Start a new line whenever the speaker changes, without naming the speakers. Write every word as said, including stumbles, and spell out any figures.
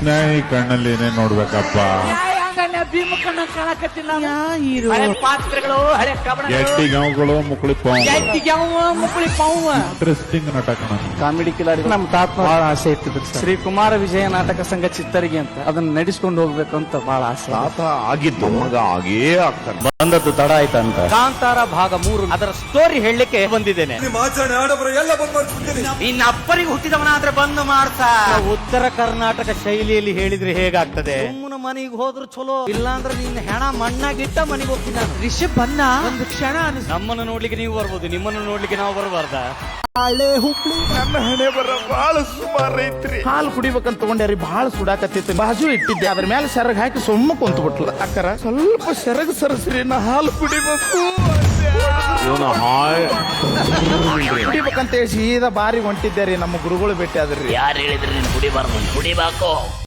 ನ್ಯಾಯ ಕಣ್ಣಲ್ಲಿ ಏನೇನ್ ನೋಡ್ಬೇಕಪ್ಪ.
ಭೀಮ ಕಣ್ಣ ಕಾಣಕತ್ತಿಲ್ಲ.
ಹೀರೋ
ಹಳೆ ಪಾತ್ರಗಳು, ಹಳೆ ಕಬಡ್ಡಿ,
ಎಟ್ಟಿ ಗಾವುಗಳು ಮುಕ್ಕಳಿ
ಮುಕ್ಕಳಿ ಪಾವು.
ಇಂಟ್ರೆಸ್ಟಿಂಗ್ ನಾಟಕ.
ಕಾಮಿಡಿ ಕಿಲಾಡಿ ನಮ್ ತಾತ ಬಹಳ ಆಸೆ ಇಟ್ಟಿದ್ರು. ಶ್ರೀ ಕುಮಾರ ವಿಜಯ ನಾಟಕ ಸಂಘ ಚಿತ್ತರಿಗೆ ಅಂತ ಅದನ್ನ ನಡೆಸ್ಕೊಂಡು ಹೋಗ್ಬೇಕು ಅಂತ ಬಹಳ ಆಸೆ.
ತಾತ ಆಗಿದ್ದು ಮಗ ಆಗೇ ಆಗ್ತಾನೆ.
ಬಂದದ್ದು ತಡ ಆಯ್ತಂತ. ಕಾಂತಾರ ಭಾಗ ಮೂರು ಅದರ ಸ್ಟೋರಿ ಹೇಳಲಿಕ್ಕೆ ಬಂದಿದ್ದೇನೆ. ಇನ್ನ ಅಪ್ಪರಿಗೆ ಹುಟ್ಟಿದವನಾದ್ರೆ ಬಂದು ಮಾಡ್ತಾ. ಉತ್ತರ ಕರ್ನಾಟಕ ಶೈಲಿಯಲ್ಲಿ ಹೇಳಿದ್ರೆ ಹೇಗಾಗ್ತದೆ? ಸುಮ್ಮನ ಮನೆಗೆ ಹೋದ್ರು ಚಲೋ, ಇಲ್ಲಾಂದ್ರೆ ನಿನ್ನ ಹೆಣ ಮಣ್ಣಾಗಿಟ್ಟ ಮನೆಗೆ ಹೋಗ್ತೀನಿ ನಾನು. ರಿಷಬ್ ಬನ್ನ ಒಂದು ಕ್ಷಣ ನಮ್ಮನ್ನು ನೋಡ್ಲಿಕ್ಕೆ ನೀವು ಬರ್ಬೋದು, ನಿಮ್ಮನ್ನು ನೋಡ್ಲಿಕ್ಕೆ ನಾವು ಬರಬಾರ್ದ?
ಹಳೆ ಹುಬ್ಳಿ ನನ್ನ ಹಣೆ ಬರ ಬಹಳ ಸುಮಾರು ಐತ್ರಿ.
ಹಾಲು ಕುಡಿಬೇಕಂತ ತಗೊಂಡ್ಯಾರಿ, ಬಹಳ ಸುಡಾಕತ್ತಿತ್ತು. ಬಾಜು ಇಟ್ಟಿದ್ದೆ, ಅದ್ರ ಮೇಲೆ ಸೆರಗ್ ಹಾಕಿ ಸುಮ್ಮ ಕುಂತ ಬಿಟ್ಲ. ಅಕ್ಕರ ಸ್ವಲ್ಪ ಸೆರಗ್ ಸರಸ್ರಿ, ನಾ ಹಾಲು ಕುಡಿಬೇಕು
ಇವನು ಹಾಯ್
ಕುಡಿಬೇಕಂತ ಹೇಳಿ ಸೀದಾ ಬಾರಿ ಹೊಂಟಿದ್ದೆ ರೀ. ನಮ್ಮ ಗುರುಗಳು ಭೇಟಿ ಆದ್ರಿ.
ಯಾರು ಹೇಳಿದ್ರಿ ನೀನು ಕುಡಿಬಾರ್ದು? ಕುಡಿಬೇಕು.